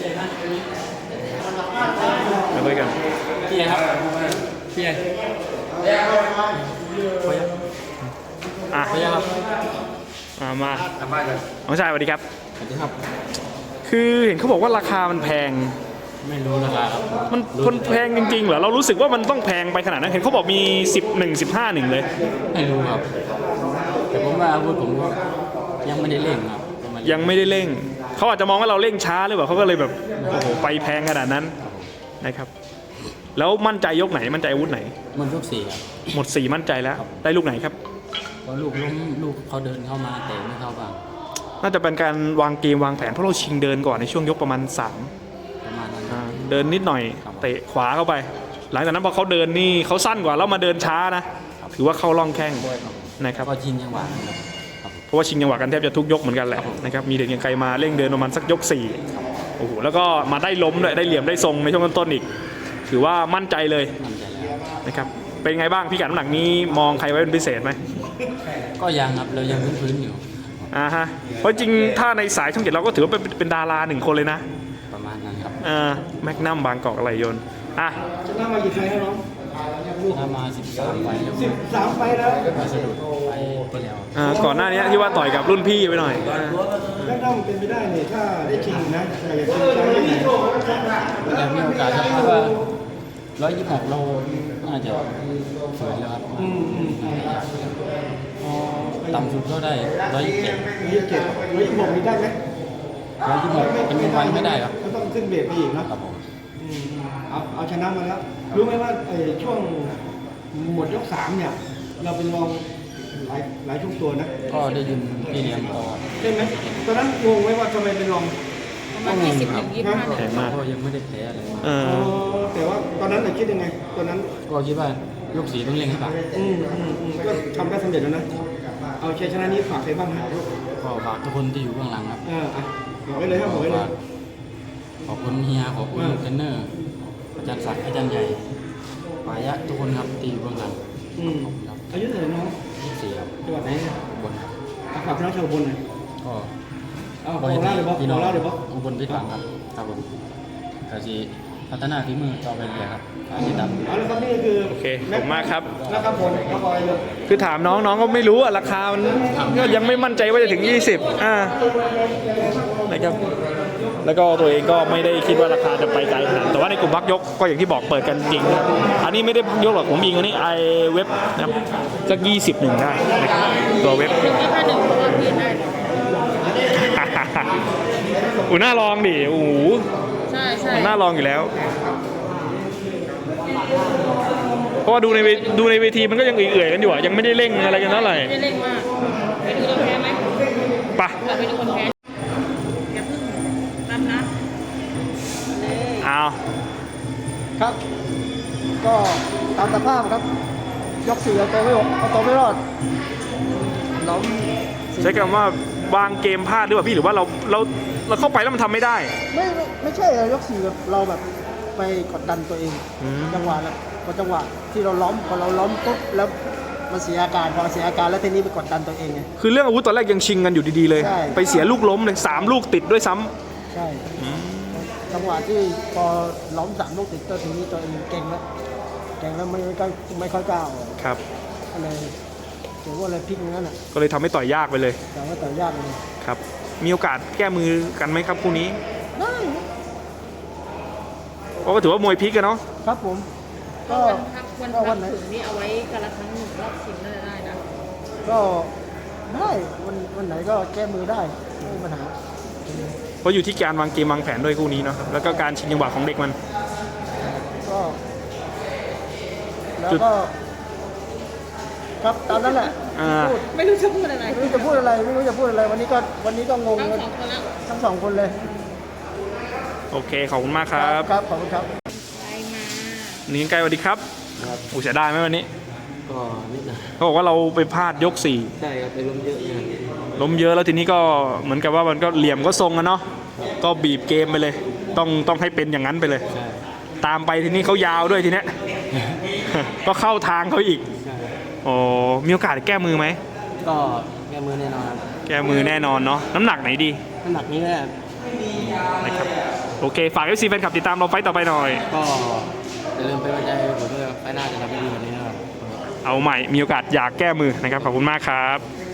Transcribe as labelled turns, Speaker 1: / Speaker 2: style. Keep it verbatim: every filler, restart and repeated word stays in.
Speaker 1: มาคุยกันพี่ใหญ่ครับพี่ใหญ่คุยอ่ะคุยครับมามาน้องชายสวัสดีครับ
Speaker 2: สวัสดีครับ
Speaker 1: คือเห็นเขาบอกว่าราคามันแพง
Speaker 2: ไม่รู้ราคาครับ
Speaker 1: มันมันแพงจริงๆเหรอเรารู้สึกว่ามันต้องแพงไปขนาดนั้นเห็นเขาบอกมีสิบหนึ่ง สิบห้าหนึ่งเลย
Speaker 2: ไม่รู้ครับแต่ผมว่าอาวุธผมก็ยังไม่ได้เล่งครับ
Speaker 1: ยังไม่ได้เร่งเขาอาจจะมองว่าเราเร่งช้าหรือเปล่าเขาก็เลยแบบโอ้โหไปแพงขนาดนั้นนะครับแล้วมั่นใจยกไหนมั่นใจอาวุธไหน
Speaker 2: มันยกสี่ครับ
Speaker 1: หมดสี่มั่นใจแล้วได้ลูกไหนครับ
Speaker 2: ก็ลูกล้มลูกเขาเดินเข้ามาแต่ไม่เข้าบ้าง
Speaker 1: น่าจะเป็นการวางเกมวางแผนเพราะเราชิงเดินก่อนในช่วงยกประมาณสาม
Speaker 2: ประมาณนั้น
Speaker 1: เดินนิดหน่อยเตะขวาเข้าไปหลังจากนั้นพอเขาเดินนี่เขาสั้นกว่าแล้วมาเดินช้านะถือว่าเข้าล่องแข้งนะครับ
Speaker 2: ก็ชิงจังหวะ
Speaker 1: เพราะว่าชิงจังหวะกันแทบจะทุกยกเหมือนกันแหละนะครับมีเด็กยังไกลมาเร่งเดินประมาณสักยกสี่โอ้โหแล้วก็มาได้ล้มด้วยได้เหลี่ยมได้ทรงในช่วงต้นๆอีกถือว่ามั่นใจเลยนะครับเป็นไงบ้างพี่กัดน้ำหนักนี้มองใครไว้เป็นพิเศษไหม
Speaker 2: ก็ยังครับเรายังพื้นๆอยู่
Speaker 1: อ่าฮะเพราะจริงถ้าในสายช่องเจ็ดเราก็ถือว่าเป็นเป็นดาราหนึ่งคนเลยนะ
Speaker 2: ประมาณนั้นครับ
Speaker 1: อ่าแมกนัมบางกอกอะไรยนอ่ะ
Speaker 3: ชนะมากี่ไฟแล้วน้อง
Speaker 2: ชนะมาสิบสามไฟแล้ว
Speaker 3: สิบสามไฟแล้ว
Speaker 2: มาสะดุดไฟที่แล้ว
Speaker 1: อ่าก่อนหน้านี้ที่ว่าต่อยกับรุ่นพี่ไปหน่อย
Speaker 3: แมกนัมเป็นไปได้เนี่ยถ้าได้ชิงนะอยากจะชิงแชมป์ได้
Speaker 2: แต่มีโอกาสครับเพราะว่าร้อยยี่สิบหกเราน่าจะฝืนแล้วครับ
Speaker 3: อืมอืม
Speaker 2: ต่ำสุดก็ได้ร้อยยี่สิบเจ็ด
Speaker 3: ร้อยยี่สิบเจ็ดร้อยยี่สิบหกนี่ได้ไหม
Speaker 2: ร้อยยี่สิบหกเป็นวันไม่ได้ครับ
Speaker 3: ก็ต้องขึ้นเบรกไปอีกนะครับ
Speaker 2: ผม
Speaker 3: เอาเอาชนะมาแล้วรู้ไหมว่าไอ้ช่วงหมดยกสามเนี่ยเราเป็นรองหลายหลายช่วงตัวนะ
Speaker 2: ก็ได้ยินพี่เลี้ยงต่อ
Speaker 3: ใช่ไหมตอนนั้นงงไหมว่าทำไมเป็นรอง
Speaker 2: ประมาณยี่สิบถึงยี่สิบห้าแข็งมากก็ยังไม่ได้แพ้อะไร
Speaker 1: อ๋อ
Speaker 3: แต่ว่าตอนนั้นเราคิดยังไงตอนนั้น
Speaker 2: ก็คิดว่ายกสีต้องเล่งให้ปาก
Speaker 3: อืมอืมอืมก็ทำได้สำเร็จแล้วนะเอาชัยชนะนี้ฝากใครบ้างหา
Speaker 2: ก็ฝากทุกคนที่อยู่เบื้องหลังครับ
Speaker 3: เออบอกไว้เลยครับบอกไว้เลย
Speaker 2: ขอบคุณเฮียขอบคุณเทรนเนอร์อาจารย์ศักดิ์อาจารย์ใหญ่ปายะทุกคนครับที่อยู่เบื้องหลัง
Speaker 3: อืมอายุเท่าไหร่น้อง
Speaker 2: ยี่สิบสี่ครับ
Speaker 3: จังหวัดไหน
Speaker 2: บน
Speaker 3: ฝากพี่น้องชาวบนหน่อย
Speaker 2: ก็
Speaker 3: เอาบอกเล่าเลยบอกบอกเล่าเลยบอก
Speaker 2: อุบลพิษหวังครับครับผมกาจีพัฒนาฝีมือต่อไปเรื่อยครับอาชีพดำ
Speaker 3: เอาละครับนี่คือ
Speaker 1: โอเคขอบคุณมากครับ
Speaker 3: นะครับผมก็บอยเลย
Speaker 1: คือถามน้องน้องก็ไม่รู้อะราคามันก็ยังไม่มั่นใจว่าจะถึงยี่สิบอ่านะครับแล้วก็ตัวเองก็ไม่ได้คิดว่าราคาจะไปไกลขนาดแต่ว่าในกลุ่มพักยกก็อย่างที่บอกเปิดกันจริงอันนี้ไม่ได้พักยกหรอกผมยิงอันนี้ไอเว็บนะครับสักยี่สิบหนึ่งได้นะครับตัวเว็บ
Speaker 4: หนึ่งยี่ห้าหนึ่งเพราะว่าพี่ได้
Speaker 1: อูน่าลองดิโอ้โห
Speaker 4: ใช่ใช่
Speaker 1: น่าลองอยู่แล้วเพราะว่าดูในดูในเวทีมันก็ยังเอื่อยๆกันอยู่อ่ะยังไม่ได้เร่งอะไรกันเท่าไหร่
Speaker 4: ไม่ได้เร่งมากไปดูคนแพ้ไหม
Speaker 1: ปะ
Speaker 4: ไปดูคนแพ้อย่าพึ่งรับนะ
Speaker 1: เอา
Speaker 3: ครับก็ตามสภาพครับยกสี่เอาตัวไม่ออกเอาตัวไม่รอดล้ม
Speaker 1: ใช้คำว่าวางเกมพลาดหรือเปล่าพี่หรือว่าเราเราเราเข้าไปแล้วมันทำไม่ได้
Speaker 3: ไม่ไม่ใช่ยกสี่เราแบบไปกดดันตัวเองจังหวะแล้วพอจังหวะที่เราล้มพอเราล้มปุ๊บแล้วมันเสียอาการพอเสียอาการแล้วทีนี้ไปกดดันตัวเองไง
Speaker 1: คือเรื่องอาวุธตอนแรกยังชิงกันอยู่ดีๆเลยไปเสียลูกล้มเลยสามลูกติดด้วยซ้
Speaker 3: ำใช่จังหวะที่พอล้มสามลูกติดตัวทีนี้ตัวเองเก่งแล้วเก่งแล้วไม่ก็ไม่ค่อยกล้า
Speaker 1: ครับ
Speaker 3: อะไรถือว่าอะไรพลิกงั้นอ่ะ
Speaker 1: ก็เลยทำให้ต่อยยากไปเลย
Speaker 3: แต่ว่าต่อยยากเลย
Speaker 1: ครับมีโอกาสแก้มือกันไหมครับคู่นี้
Speaker 3: ได้
Speaker 1: เพราะก็ถือว่ามวยพลิกกันเนาะ
Speaker 3: ครับผม
Speaker 4: ก็วันพักถึงนี่เอาไว้กันละครั้งหนึ่งรอบชิงน่าจะได้นะ
Speaker 3: ก็ได้วันวันไหนก็แก้มือได้ไม่มีปัญหา
Speaker 1: เพราะอยู่ที่การวางเกมวางแผนด้วยคู่นี้เนาะแล้วก็การชิงจังหวะของเด็กมัน
Speaker 3: ก็แล้วก็ครับตามนั้นแหละ
Speaker 4: ไม่รู้จะพูดอะไร
Speaker 3: ไม่รู้จะพูดอะไรไม่รู้จะพูดอะไรวันนี้ก็วันนี้ก็งง
Speaker 4: ทั้งสองคนแล้ว
Speaker 3: ทั้งสองคนเลย
Speaker 1: โอเคขอบคุณมากครับ
Speaker 3: ครับขอบคุณครับ
Speaker 1: นี่ไกลสวัสดีครับอู๋เสียดายไหมวันนี้
Speaker 2: ก็นิดหน่อย
Speaker 1: เขาบอกว่าเราไปพลาดยกสี่
Speaker 2: ใช่ครับไปล้มเยอะ
Speaker 1: ล้มเยอะแล้วทีนี้ก็เหมือนกับว่ามันก็เหลี่ยมก็ทรงอะเนาะก็บีบเกมไปเลยต้องต้องให้เป็นอย่างนั้นไปเลยตามไปทีนี้เขายาวด้วยทีเนี้ยก็เข้าทางเขาอีกโอ้มีโอกาสแก้มือไหม
Speaker 2: ก็แก้มือแน่นอน
Speaker 1: แก้มือแน่นอนเนาะน้ำหนักไหนดี
Speaker 2: น้ำหนักนี้แหละ
Speaker 1: นะครับโอเค ฝาก เอฟ ซี แฟนคลับติดตามเราไฟต์ต่อไปหน่อย
Speaker 2: ก็อย่าลืมเป็นกำลังใจให้ผมด้วยครับไฟหน้าจะทำให้ดีกว่านี้นะครับ
Speaker 1: เอาใหม่มีโอกาสอยากแก้มือนะครับขอบคุณมากครับ